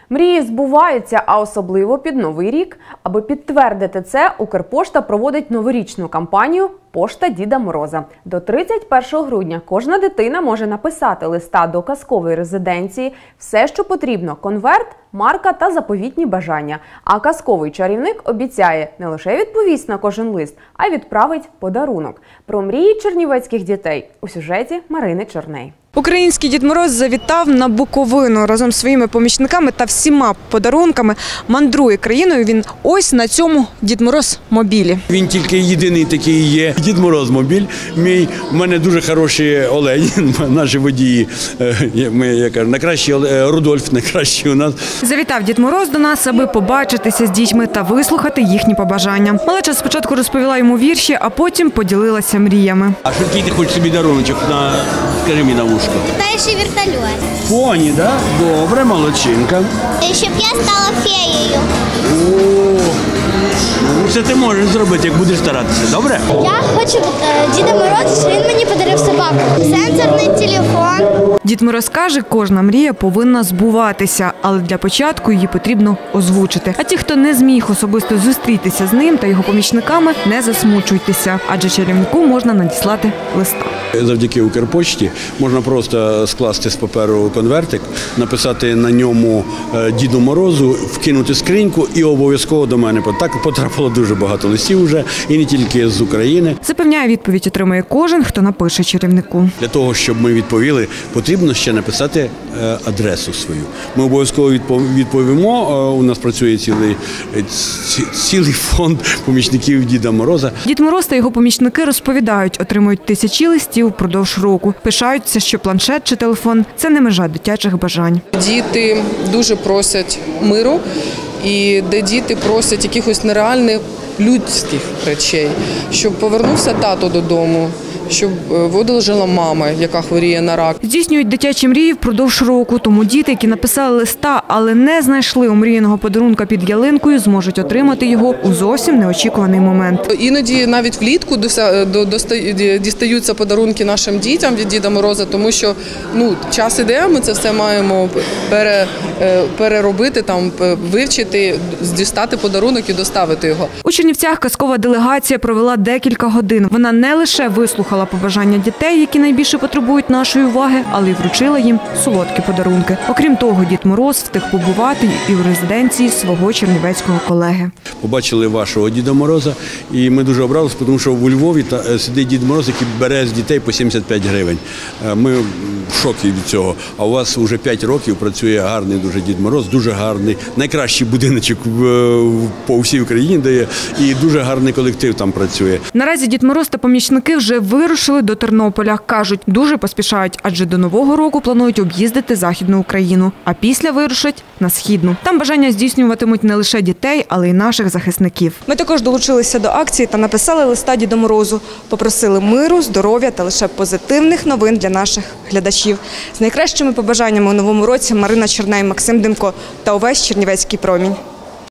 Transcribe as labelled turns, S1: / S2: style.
S1: Мрії збуваються, а особливо під Новий рік. Аби підтвердити це, Укрпошта проводить новорічну кампанію «Пошта Діда Мороза». До 31 грудня кожна дитина може написати листа до казкової резиденції. Все, що потрібно – конверт, марка та заповітні бажання. А казковий чарівник обіцяє не лише відповість на кожен лист, а й відправить подарунок. Про мрії чернівецьких дітей у сюжеті Марини Чорней.
S2: Український Дід Мороз завітав на Буковину. Разом зі своїми помічниками та всіма подарунками мандрує країною він ось на цьому Дід Мороз мобілі.
S3: Він тільки єдиний такий є Дід Мороз мобіль. У мене дуже хороші олені, наші водії. Я кажу, найкращий Рудольф, найкращий у нас.
S2: Завітав Дід Мороз до нас, аби побачитися з дітьми та вислухати їхні побажання. Малеча спочатку розповіла йому вірші, а потім поділилася мріями.
S3: А що який ти хочеш собі даруночок? Скажи мені на вушко.
S4: Летаючий вертольот.
S3: Поні, так? Да? Добре, молодчинка.
S4: Щоб я стала феєю.
S3: Це ти можеш зробити, як будеш старатися, добре?
S4: Я хочу Діда Мороза, що він мені подарив собаку. Сенсорний телефон.
S2: Дід Мороз каже, кожна мрія повинна збуватися, але для початку її потрібно озвучити. А ті, хто не зміг особисто зустрітися з ним та його помічниками, не засмучуйтеся, адже чарівнику можна надіслати листа.
S3: Завдяки Укрпошті можна просто скласти з паперу конвертик, написати на ньому Діду Морозу, вкинути скриньку і обов'язково до мене. Так потрапило дуже багато листів вже, і не тільки з України.
S2: Запевняє, відповідь отримає кожен, хто напише чарівнику.
S3: Для того, щоб ми відповіли, потрібно ще написати адресу свою. Ми обов'язково відповімо. У нас працює цілий фонд помічників Діда Мороза.
S2: Дід Мороз та його помічники розповідають, отримують тисячі листів впродовж року. Пишаються, що планшет чи телефон – це не межа дитячих бажань.
S5: Діти дуже просять миру, і де діти просять якихось нереальних людських речей, щоб повернувся тато додому, щоб видужала мама, яка хворіє на рак.
S2: Здійснюють дитячі мрії впродовж року, тому діти, які написали листа, але не знайшли омріяного подарунка під ялинкою, зможуть отримати його у зовсім неочікуваний момент.
S5: Іноді навіть влітку дістаються подарунки нашим дітям від Діда Мороза, тому що час іде, ми це все маємо переробити, вивчити, дістати подарунок і доставити його.
S2: У Чернівцях казкова делегація провела декілька годин. Вона не лише вислухала побажання дітей, які найбільше потребують нашої уваги, але й вручила їм солодкі подарунки. Окрім того, Дід Мороз встиг побувати і у резиденції свого чернівецького колеги.
S3: Побачили вашого Діда Мороза, і ми дуже обрадилися, тому що у Львові сидить Дід Мороз, який бере з дітей по 75 гривень. Ми в шокі від цього. А у вас вже 5 років працює гарний дуже Дід Мороз, дуже гарний, найкращий будиночок по всій Україні дає, і дуже гарний колектив там працює.
S2: Наразі Дід Мороз та помічники вже вирушили до Тернополя. Кажуть, дуже поспішають, адже до Нового року планують об'їздити Західну Україну, а після вирушать на Східну. Там бажання здійснюватимуть не лише дітей, але й наших захисників. Ми також долучилися до акції та написали листа Діду Морозу. Попросили миру, здоров'я та лише позитивних новин для наших глядачів. З найкращими побажаннями у новому році Марина Чорней, Максим Демко та увесь Чернівецький промінь.